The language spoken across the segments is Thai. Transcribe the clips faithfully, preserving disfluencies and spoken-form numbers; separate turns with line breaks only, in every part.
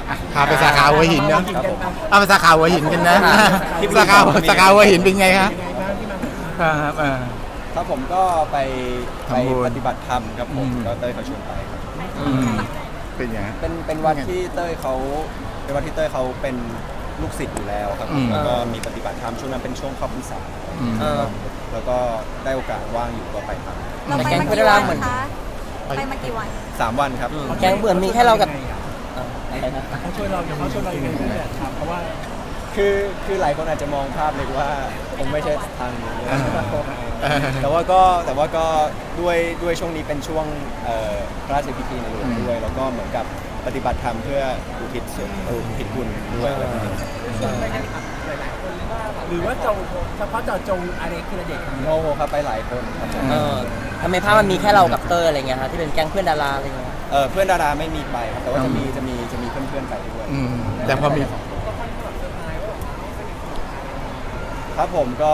พาไปสาขาหัวหินเนาะเอาไปสาขาหัวหินกันนะสาขาสาขาหัวหินเป็นไงครับครับ
ครับผมก็ไปไปปฏิบัติธรรมครับผมก็เต้ยเขาชวนไปครับ
เป็นยัง
เป็นเป็นวัดที่เต้ยเขาเป็นวัดที่เต้ยเขาเป็นลูกศิษย์อยู่แล้วครับแล้วก็มีปฏิบัติธรรมช่วงนั้นเป็นช่วงเข้าพรรษาแล้วก็ได้โอกาสว่างอยู่ก็ไปทำ
เราไปมากี่วันคะไปมากี่วัน
สามวันครับ
แกงเบื่อมีแค่เรากับ
เขาช่วยเราเขาช่วยเราอย่างไรครับเพราะว่า
คือคือหลายคนอาจจะมองภาพเลยว่าผมไม่ใช่ทางนี้แต่ว่าก็แต่ว่าก็ด้วยด้วยช่วงนี้เป็นช่วงพระราชพิธีในหลวงด้วยแล้วก็เหมือนกับปฏิบัติธรรมเพื่ออุทิศส่วนอุทิศบุญด้วย
หรือว่าจงเฉพาะเจาะจงอะไรคือเด็ก
โอ้โหครับไปหลายคนครับ
ทำไมภาพมันมีแค่เรากับเตอร์อะไรเงี้ยครับที่เป็นแก๊งเพื่อนดาราอะไรเงี้ย
เออเพื่อนดาราไม่มีไปครับแต่ว่าจะมีจะมีจะมีเพื่อนๆไปด้วย
แต่พอมี
ครับผมก็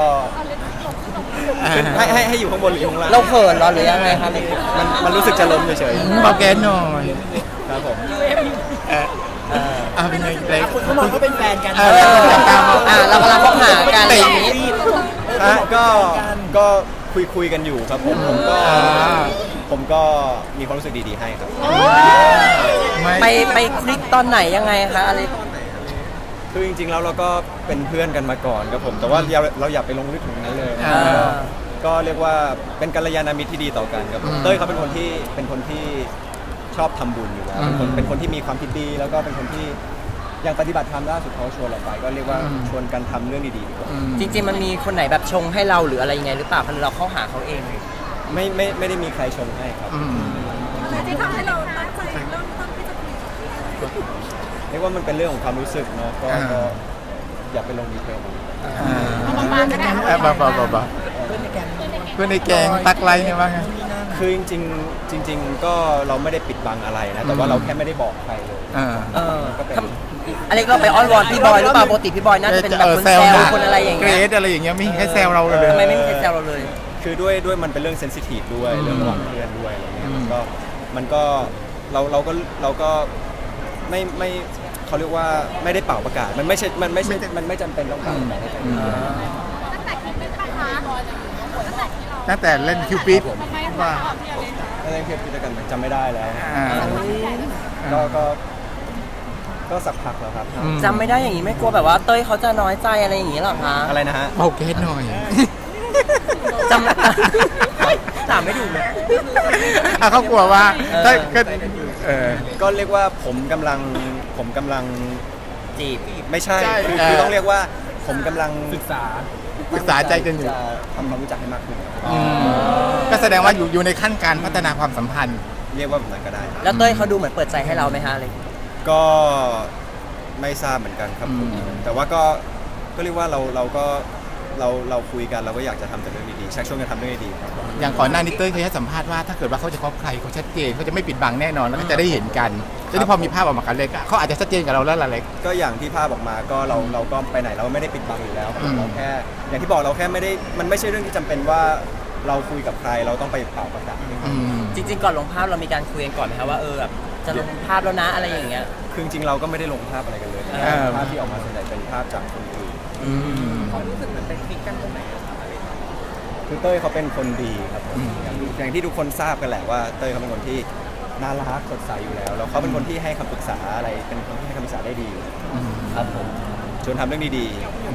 ให้ให้ให้อยู่ข้างบนหรือข้างล่าง
เราเขินเราหรือยังไงครับ
มันมันรู้สึกจะล้มเฉย
ๆบอกแกหน่อย
ครับผม
อ่าเป็นไงเล็ก
เขาบอกเขาเป็นแฟนกัน
อ่าเรากำลังคบหากันอะไรอย่างนี้
ก็ก็คุยคุยกันอยู่ครับผมผมก็ผมก็มีความรู้สึกดีๆให้ครับ
ไปไปคลิกตอนไหนยังไงคะอะไร
คือจริงๆแล้วเราก็เป็นเพื่อนกันมาก่อนครับผมแต่ว่าเราอย่าไปลงลึกถึงนั้นเลยก็เรียกว่าเป็นกัลยาณมิตรที่ดีต่อกันครับเต้ยเขาเป็นคนที่เป็นคนที่ชอบทำบุญอยู่แล้วเป็นคนเป็นคนที่มีความคิดดีแล้วก็เป็นคนที่อย่างปฏิบัติธรรมล่าสุดเขาชวนเราไปก็เรียกว่าชวนกันทำเรื่องดีๆดีกว่า
จริงๆมันมีคนไหนแบบชงให้เราหรืออะไรยังไงหรือเปล่าเพราะเราเข้าหาเขาเอง
ไม่ไม่ไม่ได้มีใครชงให้ครับ
ที่ทำให้เราตั้งใจเริ่มต้นที่จะคุย
เรียกว่ามันเป็นเรื่องของความรู้สึกเนาะก็อย่าไปลงดีเทล
บางๆก็ได้
บ้าบ้าบ้าบ้าเพื่อนในแกงตักไรเนี่ยบ้าง
คือจริงๆจริงๆก็เราไม่ได้ปิดบังอะไรนะแต่ว่าเราแค่ไม่ได้บอกใครเลย
ก็เป็นอะไรก็ไปอ้อนวอนพี่บอยหรือเปล่าปกติพี่บอยน่าจะเป็นแบบคนแซวคนอะไรอย่างเงี้ย
เกรดอะไรอย่างเงี้ยไม่แค่แซวเราเลย
ทำไมไม่มีใครแซวเราเลย
คือด้วยด้วยมันเป็นเรื่องเซนซิทีฟด้วยเรื่องระหว่างเพื่อนด้วยอะไรเงี้ยมันก็มันก็เราเราก็เราก็ไม่ไม่เขาเรียกว่าไม่ได้เป่าประกาศมันไม่ใช่มันไม่ใช่มันไม่จำเป็นต้องเป่าตั้งแต่
คิดเป็นปัญหา
ตั้งแต่เล่นคิวปิดว่า
เล่นคิวปิดกันจำไม่ได้แล้วก็ก็ก็สักพักแล้วครับ
จำไม่ได้อย่างนี้ไม่กลัวแบบว่าเต้ยเขาจะน้อยใจอะไรอย่างนี้หรอคะ
อะไรนะฮะ
เบาเกสหน่อย
จำถามไม่ถูกเลย
เขากลัวว่าก็
ก็เรียกว่าผมกำลังผมกำลัง
จีบ
ไม่ใช่คือต้องเรียกว่าผมกำลัง
ศึกษา
ศึกษาใจกันอยู่
ทำความรู้จักให้มากขึ้น
ก็แสดงว่าอยู่อยู่ในขั้นการพัฒนาความสัมพันธ์
เรียกว่าแบบนั้นก็ได้
แล้วเต้ยเขาดูเหมือนเปิดใจให้เราไหมฮะอะไร
ก็ไม่ทราบเหมือนกันครับแต่ว่าก็ก็เรียกว่าเราเราก็เราเราคุยกันเราก็อยากจะทำแต่เรื่องดีๆชักชวนกันทำเรื่องดี
ๆอย่างก่อนหน้านี้เต้ยเคยให้สัมภาษณ์ว่าถ้าเกิดว่าเขาจะคบใครเขาชัดเจนเขาจะไม่ปิดบังแน่นอนแล้วก็จะได้เห็นกันแล้วที่พอมีภาพออกมากันเลยเขาอาจจะชัดเจนกับเราแล้วล่ะเล็ก
ก็อย่างที่ภาพออกมาก็เราเราก็ไปไหนเราไม่ได้ปิดบังอยู่แล้วเราแค่อย่างที่บอกเราแค่ไม่ได้มันไม่ใช่เรื่องที่จำเป็นว่าเราคุยกับใครเราต้องไปเป่าประกาศ
จริงๆก่อนลงภาพเรามีการคุยกันก่อนไหมครับว่าเออแบบจะลงภาพแล้วนะอะไรอย่างเงี้ย
คือจริงๆเราก็ไม่ได้ลงภาพอะไรกันเลยภาพที่ออกมาส่วนใหญ่เป็นภาพจากคนอื่น
ความรู้สึกเหมือนเป็นคลิกกันตรงไหน
คือเต้ยเขาเป็นคนดีครับอย่างที่ทุกคนทราบกันแหละว่าเต้ยเขาเป็นคนที่น่ารักสดใสอยู่แล้วแล้วเขาเป็นคนที่ให้คำปรึกษาอะไรเป็นคนที่ให้คำปรึกษาได้ดีครับผมชวนทำเรื่องดี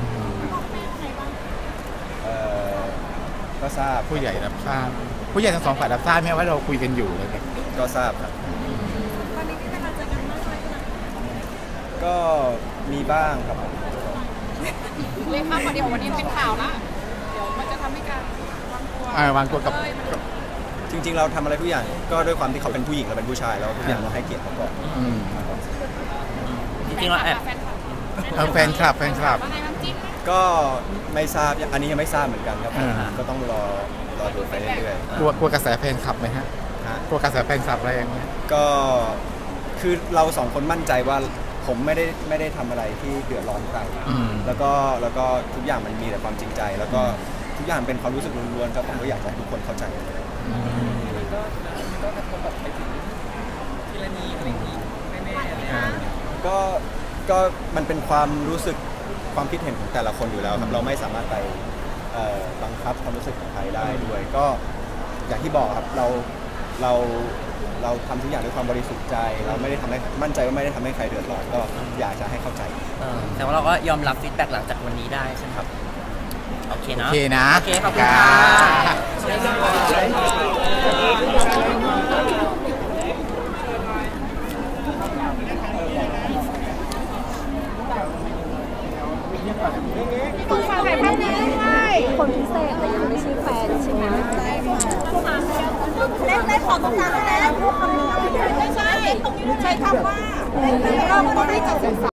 ๆก็ทราบ
ผู้ใหญ่รับทราบผู้ใหญ่ทั้งสองฝ่ายรับทราบไหมว่าเราคุยกันอยู่เลย
ก็ทราบครับก็มีบ้างครับ
เล่นมากกว่าเดียววันนี้เป็นข่าวนะเดี๋ยวมันจะทำให้การวางตัว
วางตัวกับ
จริงๆเราทำอะไรทุกอย่างก็ด้วยความที่เขาเป็นผู้หญิงเราเป็นผู้ชายแล้วทุกอย่างเราให้เกียรติเขาก่อน
จริงๆเราแอบ
แฟนคลับแฟนคลับ
ก็ไม่ทราบอันนี้ยังไม่ทราบเหมือนกันครับก็ต้องรอรอดูไปเรื่อย
ๆกลัวกลัวกระแสแฟนคลับไหมฮะกลัวกระแสแฟนคลับแรงไหม
ก็คือเราสองคนมั่นใจว่าผมไม่ได้ไม่ได้ทำอะไรที่เดือดร้อนใครแล้วก็แล้วก็ทุกอย่างมันมีแต่ความจริงใจแล้วก็ทุกอย่างเป็นความรู้สึกล้วนๆครับผมก็อยากให้ทุกคนเข้าใจก็ก็กระทบแบบไปถึงทีละนีอะไรนี้แน่ๆเลยก็ก็มันเป็นความรู้สึกความคิดเห็นของแต่ละคนอยู่แล้วครับเราไม่สามารถไปเอ่อบังคับความรู้สึกของใครได้ด้วยก็อย่างที่บอกครับเราเราเราทำทุกอย่างด้วยความบริสุทธิ์ใจ เราไม่ได้ทำให้มั่นใจว่าไม่ได้ทำให้ใครเดือดร้อนก็อยากจะให้เข้าใจ
เออแต่ว่าเราก็ยอมรับฟีดแบ็กหลังจากวันนี้ได้ใช่ไหมครับโอเค
โอ
เนาะ
เคนะ
โอเคขอบคุณค่ะ
คนฝากถ่ายภาพนี้ด้วย
คนพิเศษแต่ยังไม่ใช่แฟนใช่ไหมใช่ค่ะเล็กเล็กขอตรงกลางแล้วพูดคำนี้ไม่ใช่ตรงนี้ใช้คำว่าเล็กเล็กรอบคนที่จะศึกษา